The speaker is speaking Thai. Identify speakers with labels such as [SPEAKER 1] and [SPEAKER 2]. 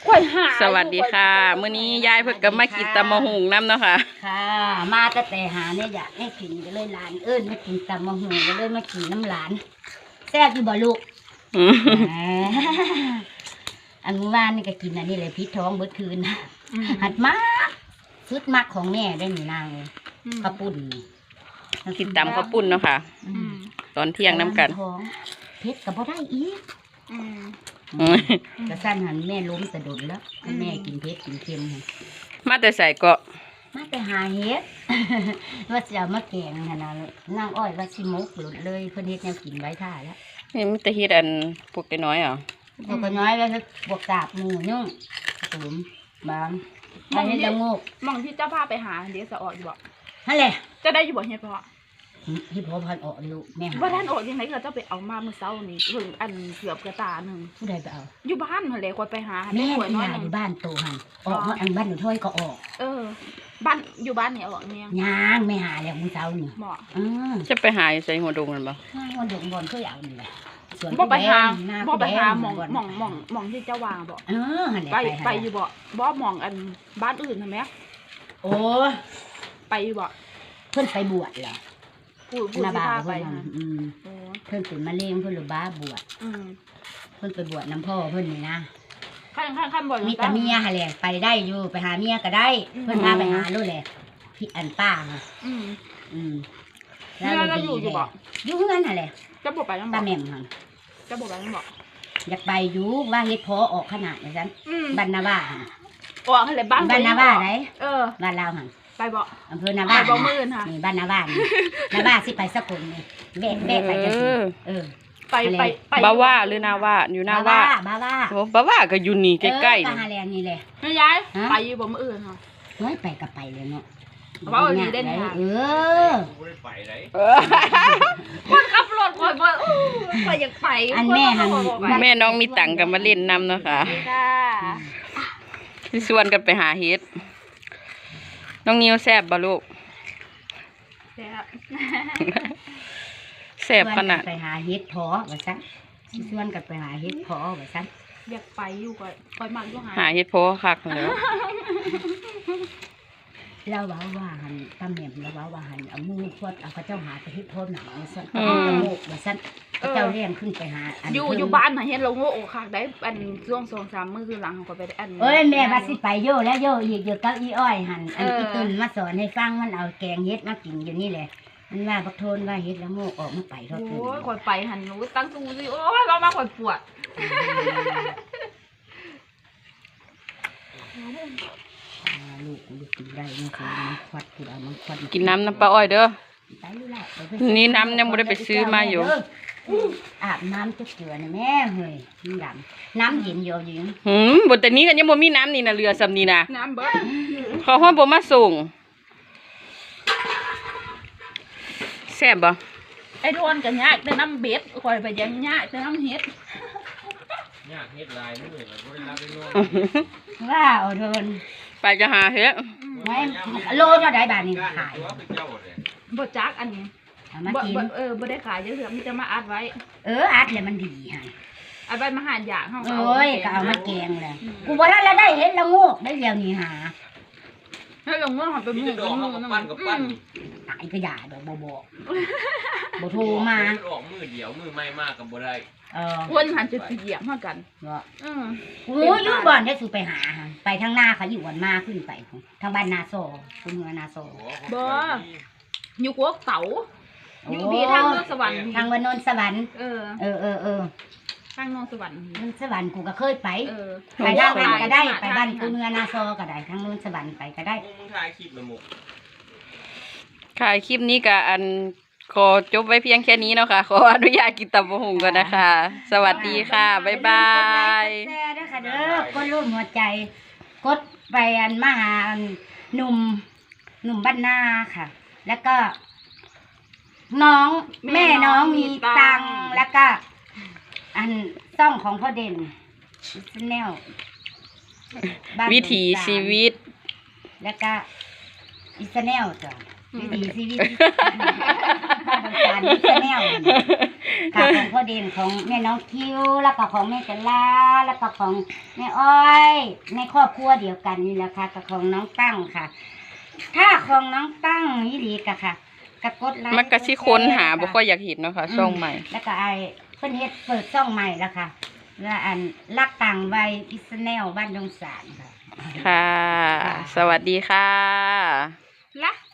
[SPEAKER 1] สวัสดีค่ะมื้อนี้ยายเพิ่งก็มากินตำมะฮุงน้ำเนาะค่ะ
[SPEAKER 2] ค่ะมาแต่หาเนี่ยอยากให้กินก็เลยหลานมากินตำมะฮุงก็เลยมากินน้ำหลานแซ่บอยู่บ่ลูกอันเมื่อวานนี่ก็กินอันนี้เลยพิษท้องเบิดคืนหัดมากสุดมากของแม่ได้หนูนางข้าวปุ้น
[SPEAKER 1] กินตำข้าวปุ้นเนาะค่ะตอนเที่ยงน้ำกัน
[SPEAKER 2] เพชรกับพ่ได้อีกกระสั้นหันแม่ล้มสะดุดแล้วแม่กินเพชรกินเค็ม
[SPEAKER 1] มาแต่ใส่ก็
[SPEAKER 2] มาแต่หาเฮ็ดว่าจะมาแกงขนาดนั่งอ้อยว่าชิมุกหลุดเลยเพื่อนเฮ็ดแนวกินไว้ท่าแล้ว
[SPEAKER 1] นี่มันจะเฮ็ดอันพวกน้อยเหรอ
[SPEAKER 2] พวกน้อยแล้วบวกกาบหมูยุ่งตุ๋มบางไปเฮ็ดละงก
[SPEAKER 3] มองที่เจ้าพาไปหาเดี๋ยวจะออกอยู่บ่
[SPEAKER 2] นั่นแหละ
[SPEAKER 3] จะได้อยู่บ่เฮ็ดเพราะ
[SPEAKER 2] ที่พ่อพันออกลูกแม่
[SPEAKER 3] ว่าท่านออกยังไงก็เจ้าไปเอามาเมื่อเช้านี่เพิ่งอันเกือบกระตาหนึ่ง
[SPEAKER 2] ผู้ใดไปเอา
[SPEAKER 3] อยู่บ้านเหรอคนไปหา
[SPEAKER 2] แม่น้อยอยู่บ้านโตหันออกอันบ้านหนูถ้อยก็ออก
[SPEAKER 3] บ้านอยู่บ้านเนี่ยออกเนี่ย
[SPEAKER 2] ย่างไม่หาแล้วมื้อเช้านี่
[SPEAKER 3] เหมาะ
[SPEAKER 1] จะไปหาใส่หัวดงกันบ่
[SPEAKER 2] หัวดงบอลก็อยากนี่แหละ
[SPEAKER 3] บ่ไปหาหมองที่เจ้าวางบ่ไปอยู่บ่มองอันบ้านอื่นใช่ไหม
[SPEAKER 2] โอ้
[SPEAKER 3] ไปอยู่บ่
[SPEAKER 2] เพิ่นไปบวชเหรอ
[SPEAKER 3] ผู้นาบาไป
[SPEAKER 2] เพิ่นเป็นมะเร็งเพิ่นหรือบ้าบวชเพิ่นไปบวชน้ำพ่อเพิ่นนี่นะ
[SPEAKER 3] ขั้นบ่
[SPEAKER 2] มีแต่เมียหาแหละไปได้อยู่ไปหาเมียก็ได้เพิ่นพาไปหาลูกแหละพี่อันป้า
[SPEAKER 3] แล้วอยู่บ่
[SPEAKER 2] อยู่เงินหาแหละ
[SPEAKER 3] จะบ่ไปยังบ่
[SPEAKER 2] ป้าแม่มค่ะ
[SPEAKER 3] จะบ่ไปยังบ่
[SPEAKER 2] อยากไปอยู่ว่าเฮ็ดพอออกขนาดนั้นซั่นบ้านนาบ้า
[SPEAKER 3] ออกอะไรบ้าน
[SPEAKER 2] นาบ้าไหนบ้านลาวหั่น
[SPEAKER 3] ไปบ่
[SPEAKER 2] อำเภอนาบ้า
[SPEAKER 3] บ่มื้อค่ะ
[SPEAKER 2] นี่บ้านนาบ้านาบ้าสิไปสกลนี่แบะไปจังซี่
[SPEAKER 3] ไป
[SPEAKER 1] บ้าว่าหรือนาว่าอยู่นาว่าบ้าว่าก็อยู่นี่ใกล้ๆ
[SPEAKER 2] นี่หาแรงนี่แหละ
[SPEAKER 3] ยายไปอยู่บ่มื้อค่ะ
[SPEAKER 2] เฮ้ยไปก็ไปเลยเนาะ
[SPEAKER 3] ว่าอันนี้ได้นี่ค่ะ
[SPEAKER 4] ไม่ไปไหน
[SPEAKER 3] คนขับรถคนบ่ไปอยากไป
[SPEAKER 2] อันแม่
[SPEAKER 1] น้องมีตังค์กันมาเล่นน้ำเนาะค่ะที่ชวนกันไปหาเฮ็ดน้องนิวแซ่บบ่ลูกแซ่บขนาด
[SPEAKER 2] ไปหาเฮ็ดพอว่าซั่นชวนกันไปหาเฮ็ดพอว่าซั่น
[SPEAKER 3] อยากไปอยู่ก็คอยมาอยู่
[SPEAKER 1] หาเฮ็ดพอคักแล้ว
[SPEAKER 2] เราว่าหันตำแหน่งเราว่าหันเอามือพวดเอาพระเจ้าหาไปเฮ็ดพอหนังว่าซั่นตะโมกว่าซั่นเจ้าเลี้ยงขึ้นไปหา
[SPEAKER 3] อยู่บ้านน่ะเฮ็ดเราโง่โอ้คักได้อันช่วง 2-3 มื้อคือหลังเขาไปอัน
[SPEAKER 2] แม่ว่าสิไปโยแล้วโยอีกอยู่กับอีอ้อยหันอันอีตุนมาสอนให้ฟังมันเอาแกงเฮ็ดมากินอยู่นี่แหละมันว่าบักโทนว่าเฮ็ดละโมกออกมาไปเท่า
[SPEAKER 3] โอ้ยข่อยไปหันหนูตั้งตู้สิโอ้ยเรามาข่อยปวด
[SPEAKER 2] ลูกกินได้นะคะควัดคือเอามันควัด
[SPEAKER 1] กินน้ำปลาอ้อยเด้อนี่น้ำยังไม่ได้ไปซื้อมาอยู่
[SPEAKER 2] อาบน้ำจะเกลือนะแม่เฮ้ยน้ำเย็นเยอะอยู่
[SPEAKER 1] บนแต่นี้กันยังบ่มีน้ำนี่นะเรือสำนีนะ
[SPEAKER 3] น้ำเบิด
[SPEAKER 1] เขาห้องบ่มาส่งแซ่บบ่
[SPEAKER 3] ไอ้โดนกันยากแต่น้ำเบ็ดคอยไปยังยากแต่น้ำเฮ็ด
[SPEAKER 4] ยากเฮ็ดลายนี่เลยมันบ่ได้รับได้น้อย
[SPEAKER 2] ว้าวโดน
[SPEAKER 1] ไปจะหาเฮ็ด
[SPEAKER 2] ไม่โลเท่าใดบาทนี่ขาย
[SPEAKER 3] บ่จักอันนี้บ่ได้ขายเยอะๆมันจะมาอัดไว้
[SPEAKER 2] อัดแล้วมันดีฮะ
[SPEAKER 3] อัดไว้มาหาอย่างเฮา
[SPEAKER 2] ก็เอามาแกงเลยกูบ่ทันแล้วได้เฮ็ดละงูได้เดี๋ยวนี้หา
[SPEAKER 3] ให้ลงเมื่อหันไปมือกับมือนั่น
[SPEAKER 2] ตายก็อย่าดอกบ่โทรมา
[SPEAKER 4] ออกมือเดียวมือไม่มากกับบ่ได้
[SPEAKER 3] คนหันจะเหยียบเท่ากัน
[SPEAKER 2] โอ้ยบ่อนได้สู่ไปหาไปทางหน้าเขาอยู่วันมาขึ้นไปทางบ้านนาโซคุณเมืองนาโซ
[SPEAKER 3] บ่อยู่กวกเต๋าอยู่ที่ทางโนนสวรรค์
[SPEAKER 2] ทางวันโนนสวรรค์
[SPEAKER 3] ทางโนนสวรรค์
[SPEAKER 2] สวรรค์กูก็เคยไปไปทางนั้นก็ได้ไปบ้านคุณเมืองนาโซก็ได้ทางโนนสวรรค์ไปก็ได้
[SPEAKER 4] ถ่ายคลิปละมุก
[SPEAKER 1] ถ่ายคลิปนี้กับอันขอจบไว้เพียงแค่นี้เนาะค่ะขออนุญาตกินตำบักหุ่งก่อนนะคะสวัสดีค่ะบ๊ายบาย
[SPEAKER 2] แซ่ด้วยค่ะเด้อกดรูปหัวใจกดไปอันมาหาหนุ่มบ้านนาค่ะ แล้วก็น้องแม่น้องมีตังแล้วก็อันซ่องของพ่อเด่นแนว
[SPEAKER 1] วิถีชีวิต
[SPEAKER 2] แล้วก็อิสแนลจ้ะวิถีชีวิตบ้านอิสแนลค่ะของพ่อเด่นของแม่น้องคิวแล้วก็ของแม่จันลาแล้วก็ของแม่อ้อยในครอบครัวเดียวกันนี่แหละค่ะกับของน้องตั้งค่ะ ถ้าของน้องตั้งนี่ดีกะค่ะกดไลค์
[SPEAKER 1] มันก็สิค้นหาบ่ค่อยอยากเห็นเนาะค่ะช่องใหม่
[SPEAKER 2] แล้วก็เพิ่นเฮ็ดเปิดช่องใหม่แล้วค่ะแล้วรักต่างวัยอิสแนลบ้านดงสารค่ะ
[SPEAKER 1] ค่ะ สวัสดีค่ะ
[SPEAKER 3] ละ